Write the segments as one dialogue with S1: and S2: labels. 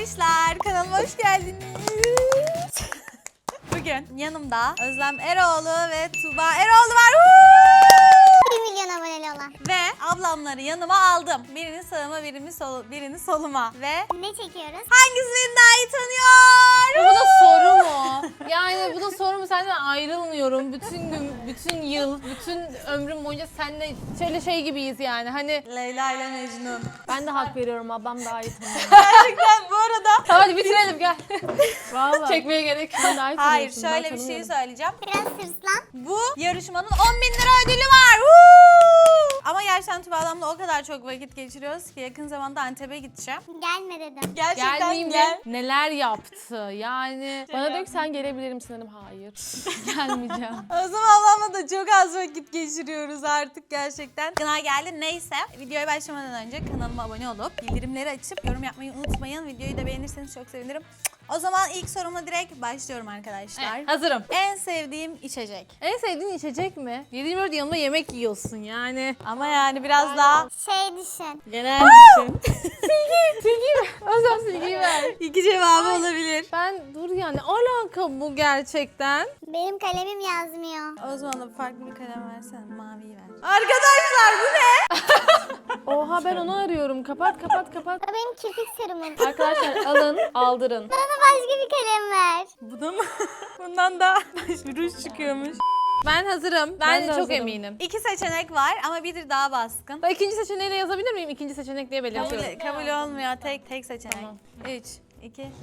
S1: arkadaşlar, kanalıma hoş geldiniz. Bugün yanımda Özlem Eroğlu ve Tuğba Eroğlu var.
S2: 1 milyon aboneli olan.
S1: Ve ablamları yanıma aldım. Birini sağıma, birini soluma. Ve
S2: Ne çekiyoruz?
S1: hangisi beni daha iyi tanıyor?
S3: Bu da soru mu? Yani bu da soru mu? Senden ayrılmıyorum. Bütün gün, bütün yıl, bütün ömrüm boyunca seninle şöyle şey gibiyiz yani. Hani
S1: Leyla ile Mecnun.
S3: ben de hak veriyorum. Ablam daha iyi tanıyor.
S1: Gerçekten bu arada.
S3: Tamam hadi bitirelim gel.
S4: Vallahi.
S3: Çekmeye gerek yok.
S4: Sen daha iyi
S1: Hayır,
S4: tanıyorsun, ben
S1: şöyle bir şey
S4: tanımıyorum.
S1: söyleyeceğim.
S2: Biraz hırslan.
S1: Bu yarışmanın 10.000 lira ödülü var. Woo! Ama gerçekten Tuğba ablamla o kadar çok vakit geçiriyoruz ki yakın zamanda Antep'e gideceğim.
S2: Gelme dedim.
S1: Gerçekten
S3: Gelmeyeyim
S1: gel.
S3: de neler yaptı yani.
S4: Bana diyor ki sen gelebilir misin dedim. Hayır. Gelmeyeceğim.
S1: O zaman ablamla da çok az vakit geçiriyoruz artık gerçekten. Gına geldi. Neyse, videoya başlamadan önce kanalıma abone olup bildirimleri açıp yorum yapmayı unutmayın. Videoyu da beğenirseniz çok sevinirim. O zaman ilk sorumla direkt başlıyorum arkadaşlar.
S3: Evet, hazırım.
S1: En sevdiğim içecek.
S3: En sevdiğin içecek mi? 7/24 yanında yemek yiyorsun yani.
S1: Ama yani biraz daha
S2: Şey düşün.
S1: genel düşün.
S3: Silgiyi ver. Özlem silgiyi ver.
S1: İki cevabı olabilir.
S3: Ben dur yani alaka bu gerçekten.
S2: Benim kalemim yazmıyor.
S1: O zaman da farklı bir kalem versene. Maviyi ver. Arkadaşlar bu ne?
S4: Oha ben onu arıyorum. Kapat.
S2: O benim kirpik serumum.
S4: Arkadaşlar alın, aldırın.
S2: Bana başka bir kalem ver.
S1: Bu da mı? Bundan da bir ruj çıkıyormuş.
S3: Ben hazırım.
S4: Ben
S3: Ben
S4: de
S3: çok
S4: hazırım.
S3: eminim.
S1: İki seçenek var ama biri daha baskın.
S3: Ben ikinci seçeneğiyle yazabilir miyim? İkinci seçenek diye belirtiyorum.
S1: Kabul olmuyor. Tek seçenek.
S3: Tamam.
S1: 3, 2, 1.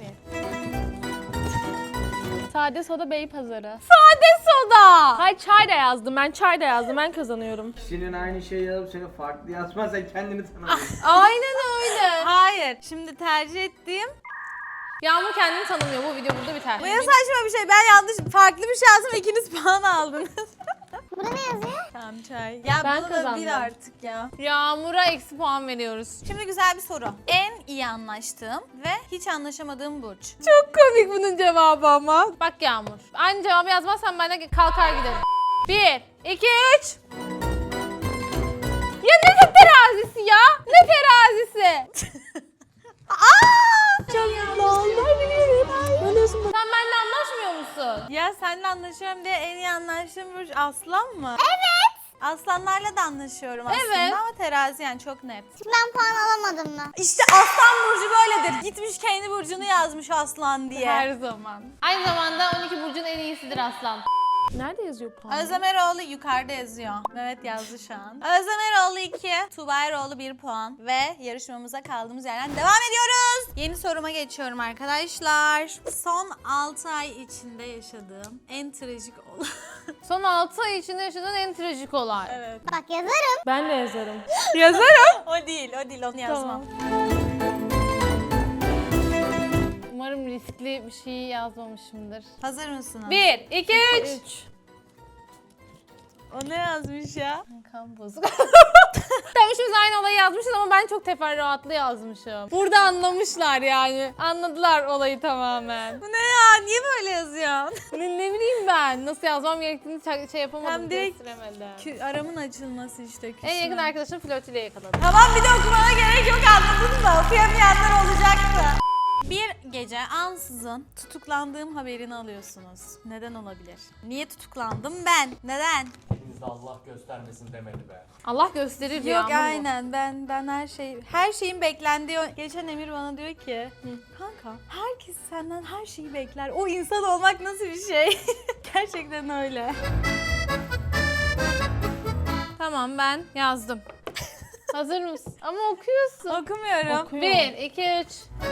S4: Sade soda Beypazarı.
S3: Sade soda.
S4: Hayır çay da yazdım. Ben çay da yazdım. Ben kazanıyorum.
S5: Kişinin aynı şeyi yazıp seni farklı yazmazsan kendini tanımıyorsun.
S3: Aynen öyle.
S1: Hayır. Şimdi tercih ettiğim.
S3: Yağmur kendini tanımıyor. Bu video burada biter.
S1: Bu ya saçma bir şey. Ben yanlış farklı bir şey yazdım. İkiniz puan aldınız.
S2: Burada ne yazıyor?
S1: Tamam çay. Ya
S4: Ben
S1: bunu da
S4: kazandım.
S1: bil artık ya.
S3: Yağmur'a eksi puan veriyoruz.
S1: Şimdi güzel bir soru. En iyi anlaştığım ve hiç anlaşamadığım burç.
S3: Çok komik bunun cevabı ama. Bak Yağmur. Aynı cevabı yazmazsan ben de kalkar giderim. 1, 2, 3. Ya ne terazisi ya? Ne terazisi?
S1: Çok mutlu oldum.
S3: Sen benimle anlaşmıyor musun?
S1: Ya seninle anlaşıyorum diye en iyi anlaştığım burç aslan mı? Evet. Aslanlarla da anlaşıyorum aslında
S3: Evet.
S1: ama terazi yani çok net.
S2: Ben puan alamadım mı?
S1: İşte aslan burcu böyledir. Gitmiş kendi burcunu yazmış aslan diye.
S3: Her zaman. Aynı zamanda 12 burcun en iyisidir aslan.
S4: Nerede yazıyor puan?
S1: Özlem Eroğlu yukarıda yazıyor. Mehmet yazdı şu an. Özlem Eroğlu 2, Tuğba Eroğlu 1 puan. Ve yarışmamıza kaldığımız yerden devam ediyoruz. Yeni soruma geçiyorum arkadaşlar. Son 6 ay içinde yaşadığım en trajik olay.
S3: Son 6 ay içinde yaşadığın en trajik olay.
S1: Evet.
S2: Bak yazarım.
S4: Ben de yazarım.
S3: Yazarım.
S1: O değil onu yazmam.
S3: Umarım riskli bir şey yazmamışımdır.
S1: Hazır mısınız?
S3: 1, 2, 3.
S4: 3.
S1: O ne yazmış ya?
S3: Kan bozuk. Tamam üçümüz aynı olayı yazmışız ama ben çok teferruatlı yazmışım. Burada anlamışlar yani. Anladılar olayı tamamen.
S1: Bu ne ya? Niye böyle yazıyorsun?
S3: Ne bileyim ben nasıl yazmam gerektiğini şey yapamadım.
S1: Hem direkt
S3: kestiremedim.
S1: Aramın açılması işte.
S3: En yakın arkadaşım flörtüyle yakaladım.
S1: Tamam bir de okumana gerek yok anladın mı? Okuyamayanlar olacaktı. Bir gece ansızın tutuklandığım haberini alıyorsunuz. Neden olabilir? Niye tutuklandım ben? Neden?
S6: Hepinize Allah göstermesin demedi be.
S3: Allah gösterir ya.
S1: Yok aynen ben her şeyin beklendiği. Geçen Emir bana diyor ki kanka herkes senden her şeyi bekler. O insan olmak nasıl bir şey? Gerçekten öyle.
S3: Tamam ben yazdım. Hazır mısın? Ama okuyorsun.
S1: Okumuyorum.
S3: 1, 2, 3.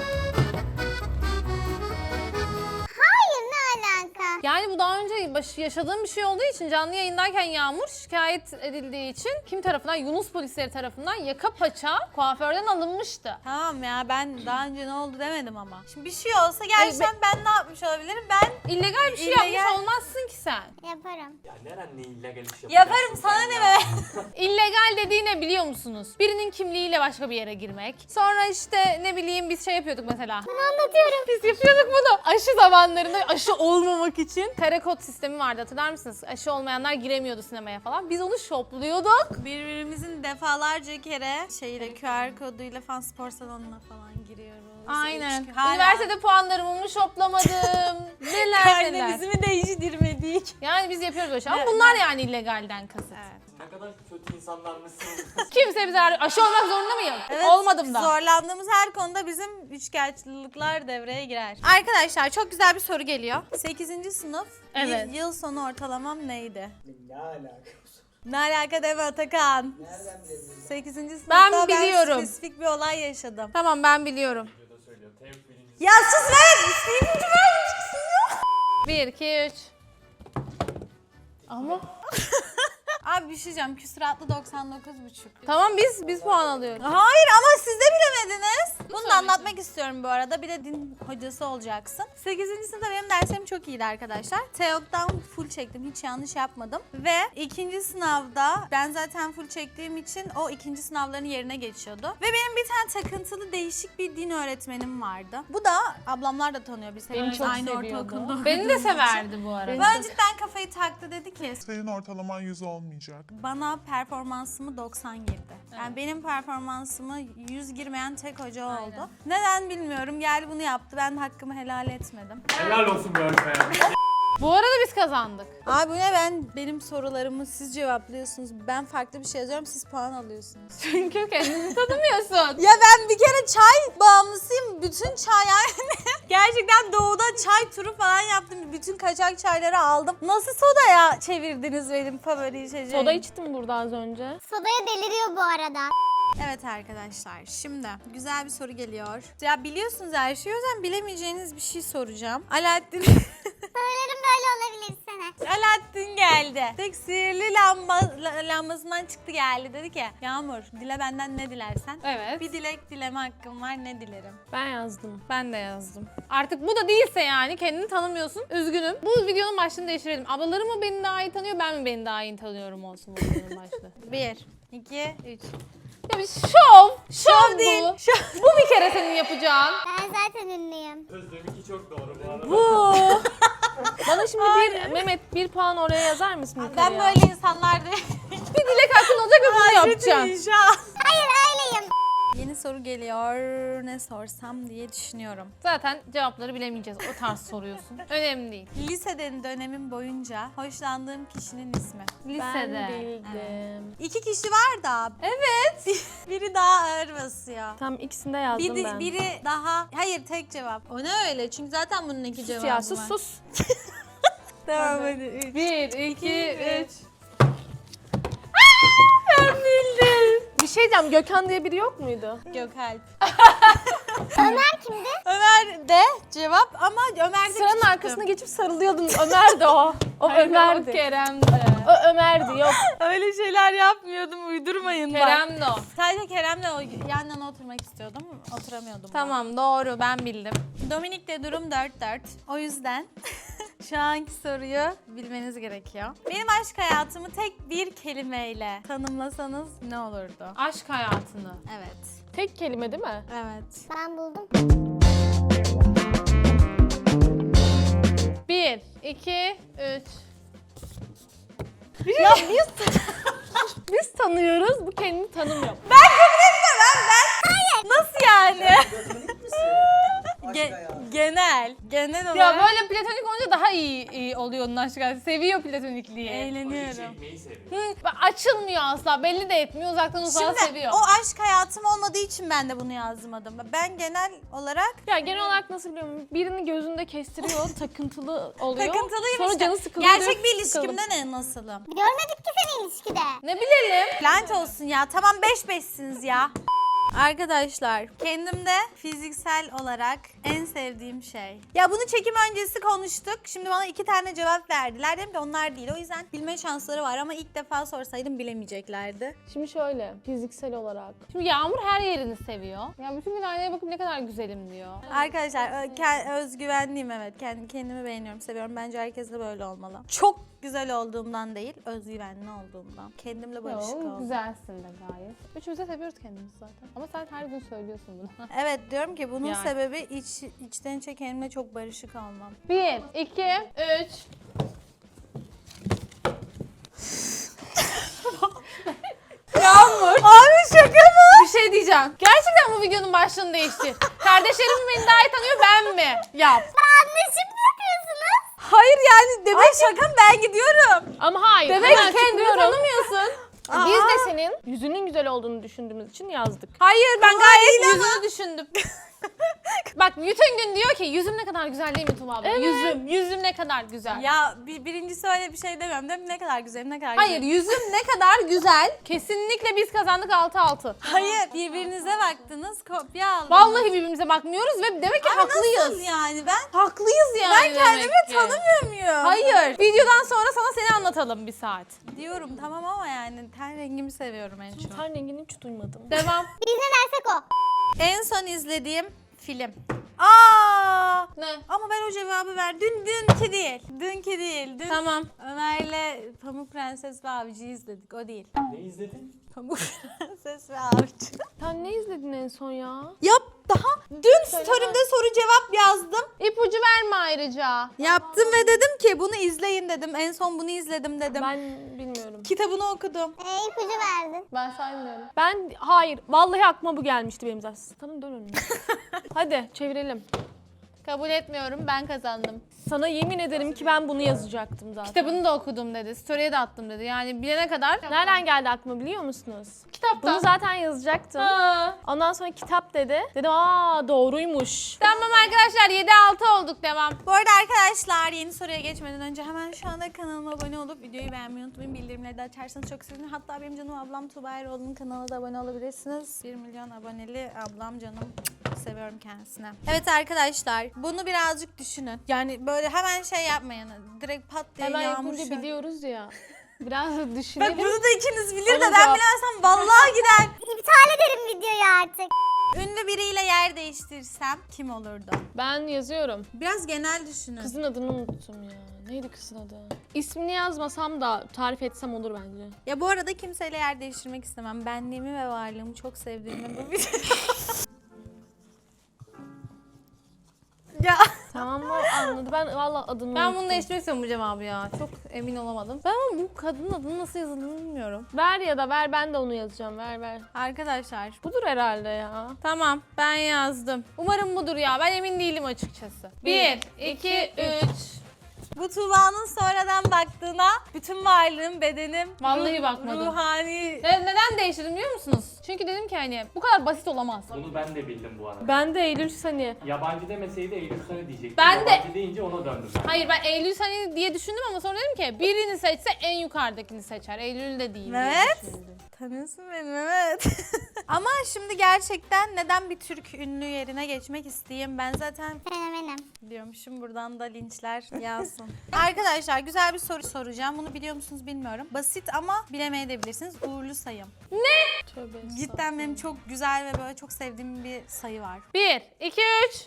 S2: Hayır ne alaka?
S3: Yani bu daha önce yaşadığım bir şey olduğu için canlı yayındayken Yağmur şikayet edildiği için kim tarafından? Yunus polisleri tarafından yaka paça kuaförden alınmıştı.
S1: Tamam ya ben daha önce ne oldu demedim ama. Şimdi bir şey olsa gerçekten ben ne yapmış olabilirim? Ben
S3: İllegal bir şey
S1: İllegal.
S3: yapmış olmazsın ki sen.
S2: Yaparım.
S6: Ya neren ne illegal iş yapacaksın
S1: yaparım sana
S6: sen
S1: ne
S6: ya?
S1: be?
S3: İllegal dediği ne biliyor musunuz? Birinin kimliğiyle başka bir yere girmek. Sonra işte ne bileyim biz şey yapıyorduk mesela.
S2: Bunu anlatıyorum.
S3: Biz yapıyorduk bunu. Aşı zamanlarında aşı olmamak için kare kod sistemi vardı hatırlar mısınız? Aşı olmayanlar giremiyordu sinemaya falan. Biz onu shopluyorduk.
S1: Birbirimizin defalarca kere QR koduyla falan spor salonuna falan giriyoruz.
S3: Aynen.
S1: Hala.
S3: Üniversitede puanlarımı mı shoplamadım? Neler neler.
S1: Karnemizi mi değiştirmedik?
S3: Yani biz yapıyoruz böyle şey. Ama bunlar yani illegalden kasıt.
S6: Ne kadar kötü insanlar mısınız?
S3: Kimse bize aşı olmak zorunda mıyım?
S1: Evet,
S3: Olmadım da.
S1: Zorlandığımız her konuda bizim üçkağıtçılıklar devreye girer. Arkadaşlar çok güzel bir soru geliyor. 8. sınıf
S3: Evet.
S1: yıl sonu ortalamam neydi?
S5: Ne alakası?
S1: Ne alaka deme Atakan.
S5: Nereden bilebilirsin?
S1: 8. sınıfta
S3: Ben biliyorum.
S1: spesifik bir olay yaşadım.
S3: Tamam ben biliyorum.
S6: Videoda söylüyor. Tevfik birincisi.
S1: Ya sus ver! İstediğim gibi ver.
S3: 1, 2, 3. Ama
S1: Abi bir şey diyeceğim. Küsuratlı 99,5.
S3: tamam biz puan alıyoruz.
S1: Hayır ama siz de bilemediniz. Bunu da anlatmak istiyorum bu arada. Bir de din hocası olacaksın. 8. sınıfta benim derslerim çok iyiydi arkadaşlar. Teok'tan full çektim. Hiç yanlış yapmadım. Ve 2. sınavda ben zaten full çektiğim için o 2. sınavların yerine geçiyordu. Ve benim bir tane takıntılı değişik bir din öğretmenim vardı. Bu da ablamlar da tanıyor. Biz hepimiz
S3: çok
S1: aynı
S3: seviyordu.
S1: ortaokulda.
S3: Beni de severdi bu arada.
S1: Ben cidden kafayı taktı, dedi ki
S7: Senin ortalaman 100 olmayacak.
S1: bana performansımı 90 girdi. Yani benim performansımı 100 girmeyen tek hoca oldu. Neden bilmiyorum. Geldi bunu yaptı. Ben de hakkımı helal etmedim.
S6: Helal olsun bu öğretmen.
S3: Bu arada biz kazandık.
S1: Abi bu ne, benim sorularımı siz cevaplıyorsunuz. Ben farklı bir şey yazıyorum, siz puan alıyorsunuz.
S3: Çünkü kendini tanımıyorsun.
S1: Ya ben bir kere çay bağımlısıyım. Bütün çay yani. Gerçekten doğuda çay turu falan yaptım. Bütün kaçak çayları aldım. Nasıl sodaya çevirdiniz benim favori içeceğimi?
S4: Soda içtim burada az önce.
S2: Sodaya deliriyor bu arada.
S1: Evet arkadaşlar, şimdi güzel bir soru geliyor. Ya biliyorsunuz her şeyi, o yüzden bilemeyeceğiniz bir şey soracağım. Alaaddin
S2: Sorularım böyle olabilir sana.
S1: Alaaddin geldi. Tek sihirli lambasından çıktı geldi. Dedi ki Yağmur, dile benden ne dilersen.
S3: Evet.
S1: Bir dilek dileme hakkım var, ne dilerim?
S4: Ben yazdım.
S3: Ben de yazdım. Artık bu da değilse yani kendini tanımıyorsun. Üzgünüm. Bu videonun başlığını değiştirelim. Ablalarım mı beni daha iyi tanıyor, ben mi beni daha iyi tanıyorum olsun bu videonun başlığı.
S1: 1, 2, 3.
S3: Ya bir şov
S1: değil,
S3: bu. Bu bir kere senin yapacağın.
S2: Ben zaten ünlüyüm.
S6: Özlem'inki çok doğru bu arada.
S3: Bu.
S4: Bana şimdi Mehmet bir puan oraya yazar mısın yukarıya?
S1: Ben böyle insanlar değil.
S3: Bir dilek hakkın olacak ve bunu yapacaksın.
S2: Hayır öyleyim.
S1: Yeni soru geliyor. Ne sorsam diye düşünüyorum.
S3: Zaten cevapları bilemeyeceğiz. O tarz soruyorsun. Önemli değil.
S1: Liseden dönemim boyunca hoşlandığım kişinin ismi.
S4: Ben
S3: Lisede.
S4: bildim.
S1: 2 kişi var da. Evet. Biri daha ağır basıyor.
S4: Tam ikisini de yazdım ben.
S1: Biri daha... Hayır, tek cevap. O ne öyle? Çünkü zaten bunun 2 cevabı
S4: Ya
S1: var.
S4: sus.
S1: Tamam hadi.
S3: 1, 2, 3.
S4: Bir şey diyeceğim, Gökhan diye biri yok muydu?
S1: Gökalp.
S2: Ömer kimdi?
S1: Ömer de cevap ama Ömer de
S4: Sıranın
S1: küçüktü.
S4: arkasına geçip sarılıyordun. Ömer de o. O Ömer'di.
S3: Kerem de.
S4: O Ömer'di yok.
S1: Öyle şeyler yapmıyordum, uydurmayın bak.
S3: Kerem de o.
S1: Sadece Kerem'le yan yana oturmak istiyordum. Oturamıyordum.
S3: Tamam doğru ben bildim.
S1: Dominik'te durum 4-4. O yüzden şu anki soruyu bilmeniz gerekiyor. Benim aşk hayatımı tek bir kelimeyle tanımlasanız ne olurdu?
S3: Aşk hayatını.
S1: Evet.
S4: Tek kelime değil mi?
S1: Evet.
S2: Ben buldum.
S3: 1, 2, 3.
S1: Ya
S4: Biz tanıyoruz, bu kendini tanımıyor.
S1: nasıl yani?
S5: Platonik misin? Aşk hayatı.
S1: Genel olarak
S3: Ya böyle platonik olunca daha iyi oluyor onun aşk hayatı. Seviyor platonikliği.
S1: eğleniyorum.
S6: Çekmeyi seviyor.
S3: Açılmıyor asla. Belli de etmiyor. Uzaktan uzağa
S1: Şimdi
S3: seviyor.
S1: o aşk hayatım olmadığı için ben de bunu yazmadım. Ben genel olarak
S4: Ya genel olarak nasıl biliyorum? Birini gözünde kestiriyor, takıntılı oluyor.
S1: takıntılıyım
S4: Sonra
S1: işte.
S4: canı sıkılıyor.
S1: Gerçek bir
S4: sıkıldım.
S1: ilişkimde ne nasılım?
S2: Görmedik ki seni ilişkide.
S3: Ne bilelim.
S1: Lanet olsun ya. Tamam 5-5'siniz ya. Arkadaşlar, kendimde fiziksel olarak en sevdiğim şey. Ya bunu çekim öncesi konuştuk. Şimdi bana 2 tane cevap verdiler. Dedim ki onlar değil. O yüzden bilme şansları var ama ilk defa sorsaydım bilemeyeceklerdi.
S4: Şimdi şöyle, fiziksel olarak.
S3: Şimdi Yağmur her yerini seviyor. Ya bütün gün aynaya bakıp ne kadar güzelim diyor.
S1: Arkadaşlar özgüvenliyim, evet. Kendimi beğeniyorum, seviyorum. Bence herkes de böyle olmalı. Çok güzel olduğumdan değil, özgüvenli olduğumdan. Kendimle barışık
S3: Yo,
S1: oldum.
S3: güzelsin de gayet. Üçümüz de seviyoruz kendimizi zaten. Ama sen her gün söylüyorsun bunu.
S1: Evet, diyorum ki bunun
S3: Yani.
S1: sebebi içten içe kendimle çok barışık olmam.
S3: 1, 2, 3.
S1: Yağmur. Abi şaka mı? Bir
S3: şey diyeceğim. Gerçekten bu videonun başlığını değiştir. Kardeşlerim mi beni daha iyi tanıyor, ben mi? Yap.
S2: Anlaşıp mı yapıyorsunuz?
S1: Hayır yani demek şaka mı? Ben gidiyorum.
S4: Ama hayır.
S3: Demek
S4: hemen
S3: ki kendini
S4: çıkıyorum.
S3: tanımıyorsun.
S4: Biz de senin yüzünün güzel olduğunu düşündüğümüz için yazdık.
S3: Hayır, ben gayet yüzünü düşündüm. Bak bütün gün diyor ki yüzüm ne kadar güzel değil mi Tuba abla?
S4: Evet.
S3: Yüzüm ne kadar güzel.
S1: Ya birincisi öyle bir şey demiyorum değil mi? Ne kadar güzel, ne kadar
S3: Hayır,
S1: güzel.
S3: yüzüm ne kadar güzel. Kesinlikle biz kazandık 6-6.
S1: Hayır. Birbirinize baktınız, kopya aldınız.
S3: Vallahi birbirimize bakmıyoruz ve demek ki haklıyız.
S1: Nasıl yani? Ben
S3: Haklıyız yani.
S1: ben kendimi
S3: demek ki.
S1: tanımıyor muyum?
S3: Hayır. Videodan sonra sana seni anlatalım bir saat.
S1: Diyorum tamam ama yani ten rengimi seviyorum en çok.
S4: Ten rengini hiç duymadım.
S3: Devam.
S2: Biz ne dersek o.
S1: En son izlediğim film. Aa!
S3: Ne?
S1: Ama ben o cevabı ver. Dünkü değil. Dünkü değil. Dün
S3: Tamam.
S1: Ömer'le Pamuk Prenses ve Avcı'yı izledik. O değil.
S6: Ne izledin?
S1: Pamuk Prenses ve Avcı.
S4: Sen ne izledin en son ya?
S1: Yap daha dün story'imde soru cevap yazdım.
S3: İpucu verme ayrıca.
S1: Yaptım ve dedim ki bunu izleyin dedim. En son bunu izledim dedim.
S4: Ben bilmiyorum.
S1: Kitabını okudum.
S2: İpucu verdin.
S3: Ben saymıyorum.
S4: Hayır. Vallahi aklıma bu gelmişti benim zaten. Sana dön önüne. Hadi çevirelim.
S3: Kabul etmiyorum, ben kazandım.
S4: Sana yemin ederim ki ben bunu yazacaktım zaten.
S3: Kitabını da okudum dedi, story'e de attım dedi. Yani bilene kadar.
S4: Nereden geldi aklıma biliyor musunuz?
S3: Kitaptan.
S4: Bunu zaten yazacaktım.
S3: Ha.
S4: Ondan sonra kitap dedi. Dedim doğruymuş.
S3: Tamam arkadaşlar 7-6 olduk, devam.
S1: Bu arada arkadaşlar yeni soruya geçmeden önce hemen şu anda kanalıma abone olup videoyu beğenmeyi unutmayın. Bildirimleri de açarsanız çok sevinirim. Hatta benim canım ablam Tuba Eroğlu'nun kanalına da abone olabilirsiniz. 1 milyon aboneli ablam canım. Seviyorum kendisine. Evet arkadaşlar bunu birazcık düşünün. Yani böyle hemen şey yapmayın. Direkt pat diye
S4: Hemen
S1: yağmur
S4: yapınca
S1: şöyle.
S4: biliyoruz ya. Biraz da
S1: Bak
S4: düşünelim.
S1: bunu da ikiniz bilir de
S4: Onun
S1: ben
S4: cevap-
S1: bilemezsem vallahi gider.
S2: İptal ederim videoyu artık.
S1: Ünlü biriyle yer değiştirsem kim olurdu?
S4: Ben yazıyorum.
S1: Biraz genel düşünün.
S4: Kızın adını unuttum ya. Neydi kızın adı? İsmini yazmasam da tarif etsem olur bence.
S1: Ya bu arada kimseyle yer değiştirmek istemem. Benliğimi ve varlığımı çok sevdiğimi bu video. Ya
S4: Tamam mı? Anladı. Ben valla adını
S3: Ben
S4: unuttum.
S3: bunu değiştirmek istiyorum bu cevabı ya. Çok emin olamadım. Ben ama bu kadının adını nasıl yazıldığını bilmiyorum.
S4: Ver ya da ver, ben de onu yazacağım. Ver.
S1: arkadaşlar
S4: Budur herhalde ya.
S3: Tamam, ben yazdım. Umarım budur ya. Ben emin değilim açıkçası. 1, 2, 3.
S1: bu Tuğba'nın sonradan baktığına bütün varlığım, bedenim,
S3: Vallahi bakmadım.
S1: ruhani...
S3: Neden değiştirdim biliyor musunuz? Çünkü dedim ki hani bu kadar basit olamaz.
S6: Bunu ben de bildim bu arada.
S4: Ben de Eylül Sani.
S6: Yabancı demeseydi Eylül Sani diyecektim.
S3: Ben de-
S6: Yabancı deyince ona döndüm.
S3: Hayır, ben Eylül Sani diye düşündüm ama sonra dedim ki birini seçse en yukarıdakini seçer. Eylül de değil diye
S1: Evet.
S3: düşündüm.
S1: Tanıyorsun beni Mehmet. Ama şimdi gerçekten neden bir Türk ünlü yerine geçmek isteyeyim? Ben zaten
S2: Fenomenim.
S1: diyormuşum, buradan da linçler yağsın. Arkadaşlar güzel bir soru soracağım. Bunu biliyor musunuz bilmiyorum. Basit ama bilemeyebilirsiniz. Uğurlu sayım.
S4: Tövbe.
S1: Cidden benim çok güzel ve böyle çok sevdiğim bir sayı var.
S3: 1, 2, 3.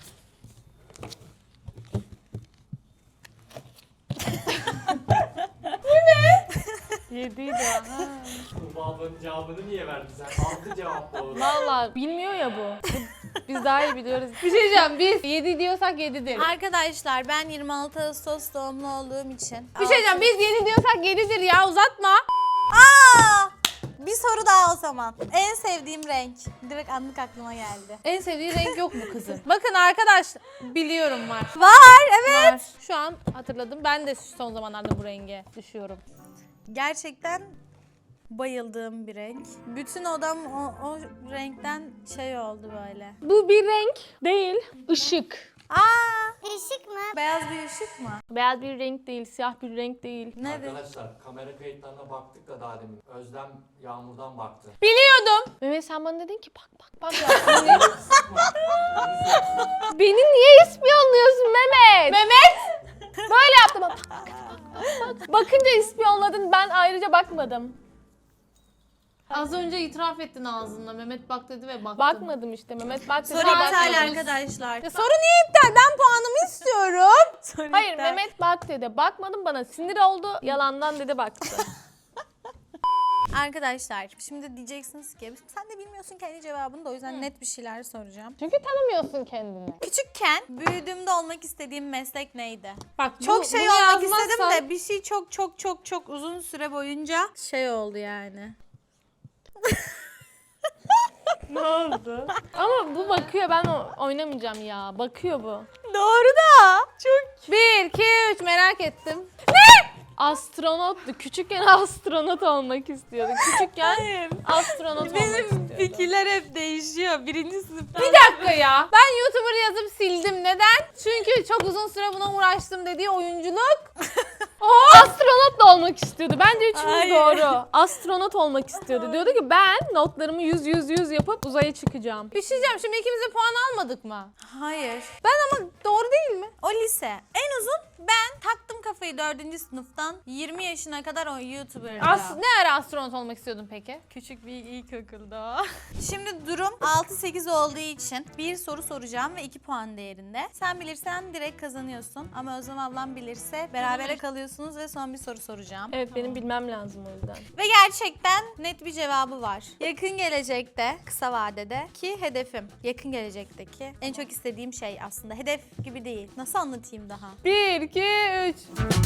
S4: Yediydi ha.
S6: Tuğba ablanın cevabını niye verdin sen? 6 cevap doğru.
S4: Valla bilmiyor ya bu. Biz daha iyi biliyoruz.
S3: Bir şey diyeceğim, biz 7 diyorsak 7'dir.
S1: Arkadaşlar ben 26 Ağustos doğumlu olduğum için.
S3: Bir şey diyeceğim, biz 7 diyorsak 7'dir ya, uzatma.
S1: Aa! Bir soru daha o zaman. En sevdiğim renk. Direkt anlık aklıma geldi.
S3: En sevdiği renk yok bu kızın. Bakın arkadaş, biliyorum var.
S1: Var evet.
S3: Var. Şu an hatırladım. Ben de son zamanlarda bu renge düşüyorum.
S1: Gerçekten bayıldığım bir renk. Bütün odam o renkten şey oldu böyle.
S4: Bu bir renk değil, ışık.
S1: Aa!
S2: Işık mı?
S1: Beyaz bir ışık mı?
S4: Beyaz bir renk değil, siyah bir renk değil.
S1: Nedir?
S6: Arkadaşlar kamera kayıtlarına baktık da daha demin. Özlem Yağmur'dan baktı.
S3: Biliyordum.
S4: Mehmet sen bana dedin ki bak.
S6: Sıkma.
S4: Beni niye ispiyonluyorsun Mehmet?
S3: Mehmet.
S4: Böyle yaptım. Bak. Bakınca ispiyonladın, ben ayrıca bakmadım.
S3: Az önce itiraf ettin ağzınla. Mehmet bak dedi ve baktın.
S4: Bakmadım işte, Mehmet bak dedi.
S1: Soru iptal
S3: bakmıyoruz.
S1: arkadaşlar.
S3: Ya soru niye iptal? Ben puanımı istiyorum.
S1: Soru
S4: Hayır
S1: iptal.
S4: Mehmet bak dedi. Bakmadım, bana sinir oldu. Yalandan dedi baktı.
S1: Arkadaşlar şimdi diyeceksiniz ki sen de bilmiyorsun kendi cevabını da o yüzden net bir şeyler soracağım.
S3: Çünkü tanımıyorsun kendini.
S1: Küçükken büyüdüğümde olmak istediğim meslek neydi?
S3: Bak
S1: Çok
S3: bu-
S1: şey
S3: bunu
S1: olmak
S3: yazmazsan-
S1: istedim de bir şey çok uzun süre boyunca şey oldu yani.
S4: Ne oldu? Ama bu bakıyor, ben oynamayacağım ya. Bakıyor bu.
S1: Doğru da. Çok.
S3: 1, 2, 3 merak ettim.
S4: Astronottu. Küçükken astronot olmak istiyordu. Küçükken astronot olmak istiyordu.
S1: Benim fikirler hep değişiyor. Birinci sınıftan.
S3: Bir dakika ya. Ben YouTuber yazıp sildim. Neden? Çünkü çok uzun süre buna uğraştım dediği oyunculuk.
S4: Astronot da olmak istiyordu. Bence üçümüz
S1: Hayır.
S4: doğru. Astronot olmak istiyordu. Diyordu ki ben notlarımı 100 yapıp uzaya çıkacağım.
S3: Bir şey diyeceğim. Şimdi ikimiz de puan almadık mı?
S1: Hayır.
S3: Ben ama doğru değil mi?
S1: O lise. En uzun ben taktım kafayı 4. sınıftan 20 yaşına kadar o YouTuber'da.
S3: Ne ara astronot olmak istiyordun peki?
S1: Küçük bir ilkokulda o. Şimdi durum 6-8 olduğu için bir soru soracağım ve 2 puan değerinde. Sen bilirsen direkt kazanıyorsun ama Özlem ablam bilirse berabere kalıyorsunuz ve son bir soru soracağım.
S4: Evet, benim bilmem lazım o yüzden.
S1: Ve gerçekten net bir cevabı var. Yakın gelecekte, kısa vadede ki hedefim. Yakın gelecekteki en çok istediğim şey aslında. Hedef gibi değil. Nasıl anlatayım daha?
S3: 1, 2, 3.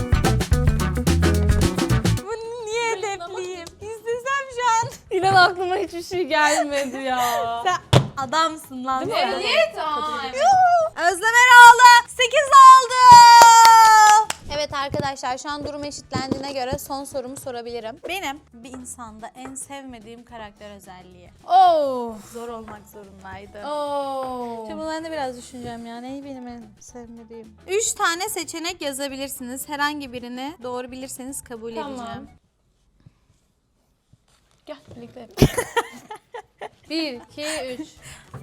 S1: Bu niye hedefliyim? İstesem şu an.
S4: İnan aklıma hiçbir şey gelmedi ya.
S1: Sen adamsın lan.
S4: Değil mi?
S3: Evet. Aa, evet.
S1: Özlem Eroğlu 8 oldu. Evet arkadaşlar şu an durum eşitlendiğine göre son sorumu sorabilirim. Benim bir insanda en sevmediğim karakter özelliği.
S3: Oh.
S1: Zor olmak zorundaydı.
S3: Oh.
S1: Şimdi ben de biraz düşüneceğim ya. Neyi benim en sevmediğim? 3 tane seçenek yazabilirsiniz. Herhangi birini doğru bilirseniz kabul
S3: Tamam.
S1: edeceğim.
S4: Gel birlikte yapalım.
S3: 1, 2, 3.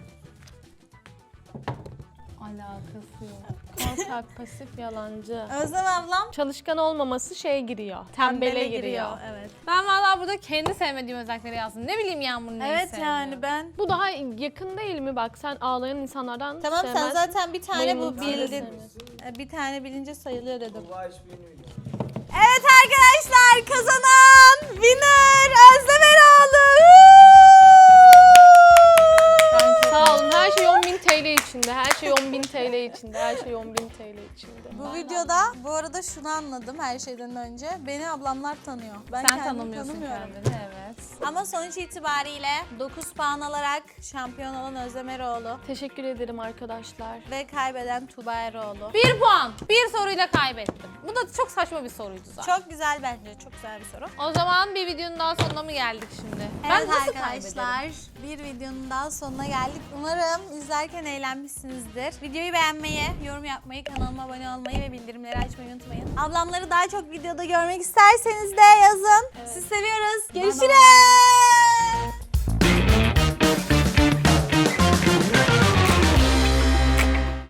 S3: Alakası yok.
S4: Korkak, pasif, yalancı.
S1: Özlem ablam
S4: Çalışkan olmaması şeye giriyor. Tembele giriyor.
S1: Evet.
S3: Ben vallahi burada kendi sevmediğim özellikleri yazdım. Ne bileyim Yağmur neyi
S1: Evet
S3: sevmiyor.
S1: yani ben.
S4: Bu daha yakın değil mi? Bak sen ağlayan insanlardan
S1: Tamam sen
S4: sevmezsin.
S1: zaten bir tane bu
S4: Bayılırım.
S1: bildin.
S4: Sevmiyorsun.
S1: Bir tane bilince sayılıyor dedim.
S5: Allah işbirliğini biliyor.
S1: Evet arkadaşlar kazanan winner Özlem Eroğlu.
S4: Sağ olun. Her şey 10.000 TL içinde. Her şey 10.000 TL içinde. Her şey 10.000 TL içinde.
S1: Bu videoda bu arada şunu anladım her şeyden önce. Beni ablamlar tanıyor. Ben
S3: Sen
S1: kendimi
S3: tanımıyorsun
S1: tanımıyorum.
S3: kendini, evet.
S1: Ama sonuç itibariyle 9 puan alarak şampiyon olan Özlem Eroğlu
S4: Teşekkür ederim arkadaşlar.
S1: ve kaybeden Tuğba Eroğlu.
S3: 1 puan. Bir soruyla kaybettim. Bu da çok saçma bir soruydu zaten.
S1: Çok güzel bence. Çok güzel bir soru.
S3: O zaman bir videonun daha sonuna mı geldik şimdi?
S1: Evet
S3: nasıl
S1: arkadaşlar bir videonun daha sonuna geldik. Umarım izlerken eğlenmişsinizdir. Videoyu beğenmeyi, yorum yapmayı, kanalıma abone olmayı ve bildirimleri açmayı unutmayın. Ablamları daha çok videoda görmek isterseniz de yazın. Sizi seviyoruz. Görüşürüz.